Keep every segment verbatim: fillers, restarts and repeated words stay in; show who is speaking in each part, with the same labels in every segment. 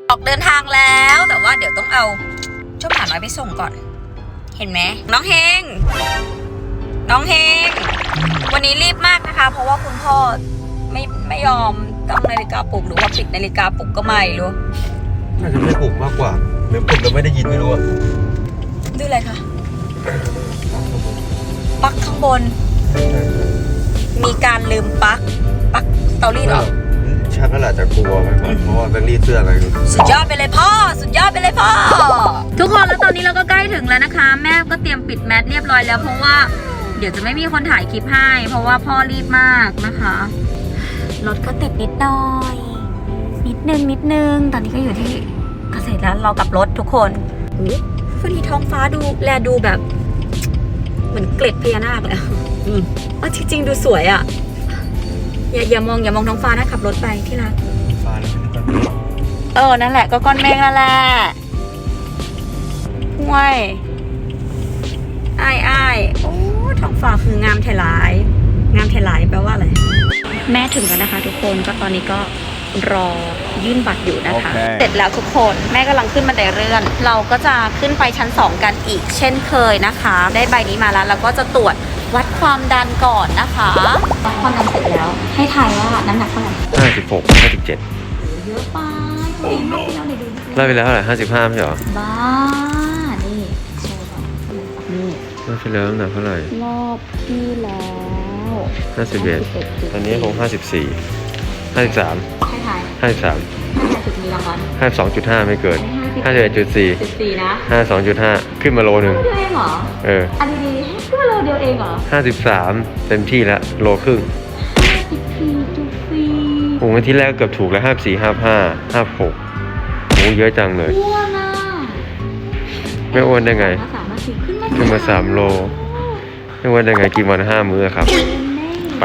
Speaker 1: ออกเดินทางแล้วแต่ว่าเดี๋ยวต้องเอาเจ้าหมาน้อยไปส่งก่อนเห็นไหมน้องเฮงน้องเฮงวันนี้รีบมากนะคะเพราะว่าคุณพ่อไม่ไม่ยอมตั้งนาฬิกาปลุกหรือว่าปิดนาฬิกาปลุกก็ไม่รู้
Speaker 2: น่าจะไม่ปลุกมากกว่าหรือปลุกแล้วไม่ได้ยินไม่รู้อะ
Speaker 1: ดูอะไรคะปลั๊กข้างบนมีการลืมปลั๊กปลั๊กเตารีดหรอ
Speaker 2: ชักก็อาจจะกลัวไหมเพราะว่าแบงค์รีดเสื้ออะไร
Speaker 1: สุดยอดไปเลยพ่อสุดยอดไปเลยพ่อทุกคนแล้วตอนนี้เราก็ใกล้ถึงแล้วนะคะแม่ก็เตรียมปิดแมสเรียบร้อยแล้วเพราะว่าเดี๋ยวจะไม่มีคนถ่ายคลิปให้เพราะว่าพ่อรีบมากนะคะรถก็ติดนิดหน่อยนิดนึงนิดนึงตอนนี้ก็อยู่ที่เกษตรแล้วเรากลับรถทุกคนวันนี้ท้องฟ้าดูแลดูแบบเหมือนเกล็ดพญานาคเลยอืมอ๋อจริงๆดูสวยอ่ะอย่าอย่ามองอย่ามองท้องฟ้านะขับรถไปที่รัก
Speaker 2: ฟ้าแล้วไม่ได้ก้อน
Speaker 1: เออนั่นแหละก็ก้อนเมฆนั่นแหละห่วยอ้ายอ้ายโอ้ท้องฟ้าคืองามไทยหลายงามไทยหลายแปลว่าอะไรแม่ถึงแล้วนะคะทุกคนก็ตอนนี้ก็รอยื่นบัตรอยู่นะคะ okay. เสร็จแล้วทุกคนแม่กำลังขึ้นบันไดเลื่อนเราก็จะขึ้นไปชั้นสองกันอีกเช่นเคยนะคะได้ใบนี้มาแล้วเราก็จะตรวจวัดความดันก่อนนะคะวัดความดันเสร็จแล้วให้ทายว่าน้ำหนักเท่าไหร่
Speaker 2: ห้าสิบหกห้าสิบเจ็ด
Speaker 1: เยอะไปตัวเองไม่เอาเลยดู
Speaker 2: ไล่ไปแล้วเท่าไหร่ห้าสิบห้าไม่ใช่หรอ
Speaker 1: บ้านี่โชว์ก่อนนี่
Speaker 2: รอบที่แล้วน้ำหนักเท่าไหร่
Speaker 1: รอบที่แล้ว
Speaker 2: ห้าสิบเอ็ดตอนนี้คงห้าสิบสี่ห้าสิบสาม
Speaker 1: ให้ทาย
Speaker 2: ห้าสิบสาม
Speaker 1: ห้าสิบมีรางวัล
Speaker 2: ห้าสิบสองจุดห้าไม่เกินห้าสิบเอ็ดจุดสี่
Speaker 1: จุดสี่นะ
Speaker 2: ห้าสิบสองจุดห้าขึ้นมาโลนึง
Speaker 1: เดียวเองเหรอ
Speaker 2: เออ
Speaker 1: อันดีๆขึ้นมาโลเดียวเองเหรอ
Speaker 2: ห้าสิบสามเต็มที่แล้วโลครึ่ง
Speaker 1: ห้าสิบสี่จุดสี่
Speaker 2: โอ้โหที่แรกเกือบถูกแล้วห้าสิบสี่ห้าสิบห้าห้าสิบหกโอ้เยอะจังเลย
Speaker 1: อ้วนอ่ะ
Speaker 2: ไม่อ้วนได้ไงขึ้นมาสามโลไม่อ้วนได้ไงกินวันห้ามื้อครับไป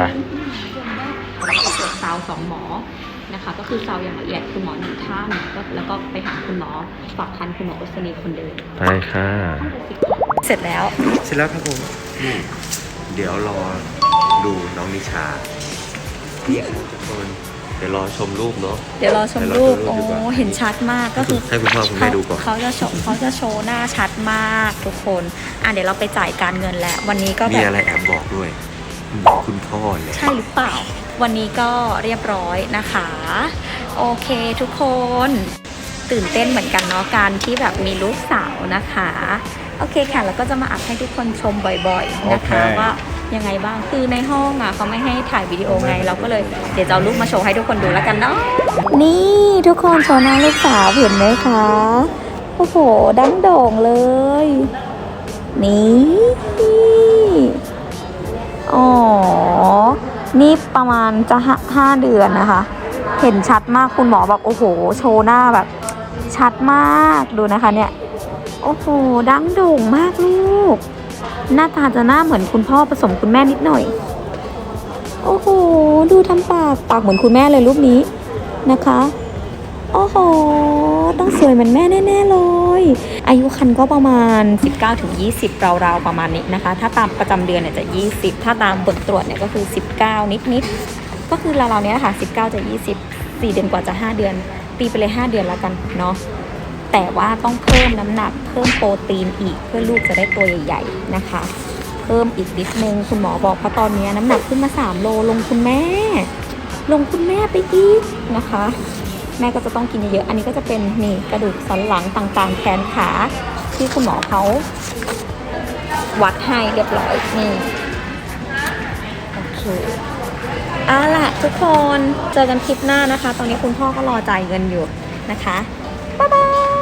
Speaker 1: ซาวสองหมอนะคะก็คือซาวอย่างละเอียดคุณหมอหนึ่งท่านแล้วก็ไปหาคุณหมอฝากคันคุณหมออุศนีคนเดิม
Speaker 2: ไปค่ะ
Speaker 1: เสร็จแล้ว
Speaker 2: เสร็จแล้วครับผมนี่เดี๋ยวรอดูน้องนิชานี่ครับทุกคนเดี๋ยวรอชมรูปเนาะ
Speaker 1: เดี๋ยวรอชมรูปโอ้เห็นชัดมากก็คือ
Speaker 2: ให้คุณพ่อคุณแม่ดูก่อน
Speaker 1: เขาจะโชว์เขาจะโชว์หน้าชัดมากทุกคนอ่ะเดี๋ยวเราไปจ่ายการเงินแล้ววันนี้ก็แบบ
Speaker 2: มีอะไรแอบบอกด้วยคุณพ่อเลย
Speaker 1: ใช่หรือเปล่าวันนี้ก็เรียบร้อยนะคะโอเคทุกคนตื่นเต้นเหมือนกันเนาะการที่แบบมีลูกสาวนะคะโอเคค่ะแล้วก็จะมาอัดให้ทุกคนชมบ่อยๆนะคะ okay. ว่ายังไงบ้างคือในห้องอ่ะเขาไม่ให้ถ่ายวิดีโอไงเราก็เลยเดี๋ยวจะเอารูปมาโชว์ให้ทุกคนดูแล้วกันเนาะนี่ทุกคนโชว์หน้าลูกสาวเห็นไหมคะโอ้โหดังโด่งเลยนี่อ๋อนี่ประมาณจะห้าเดือนนะคะเห็นชัดมากคุณหมอแบบโอ้โหโชว์หน้าแบบชัดมากดูนะคะเนี่ยโอ้โหดังโด่งมากลูกหน้าตาจะหน้าเหมือนคุณพ่อผสมคุณแม่นิดหน่อยโอ้โหดูทำปากปากเหมือนคุณแม่เลยรูปนี้นะคะโอ้โหต้องสวยเหมือนแม่แน่ๆเลยอายุครรภ์ก็ประมาณ สิบเก้าถึงยี่สิบ ราวๆประมาณนี้นะคะถ้าตามประจำเดือนเนี่ยจะยี่สิบถ้าตามผลตรวจเนี่ยก็คือสิบเก้านิดๆก็คือราวๆเนี้ยค่ะสิบเก้าจะยี่สิบ สี่เดือนกว่าจะห้าเดือนตีไปเลยห้าเดือนแล้วกันเนาะแต่ว่าต้องเพิ่มน้ำหนักเพิ่มโปรตีนอีกเพื่อลูกจะได้ตัวใหญ่ๆนะคะเพิ่มอีกนิดนึงคุณหมอบอกเพราะตอนนี้น้ำหนักขึ้นมาสามโลลงคุณแม่ลงคุณแม่ไปอีกนะคะแม่ก็จะต้องกินเยอะๆอันนี้ก็จะเป็นนี่กระดูกสันหลังต่างๆแขนขาที่คุณหมอเขาวัดให้เรียบร้อยนี่โอเคเอาล่ะทุกคนเจอกันคลิปหน้านะคะตอนนี้คุณพ่อก็รอจ่ายเงินอยู่นะคะบ๊ายบาย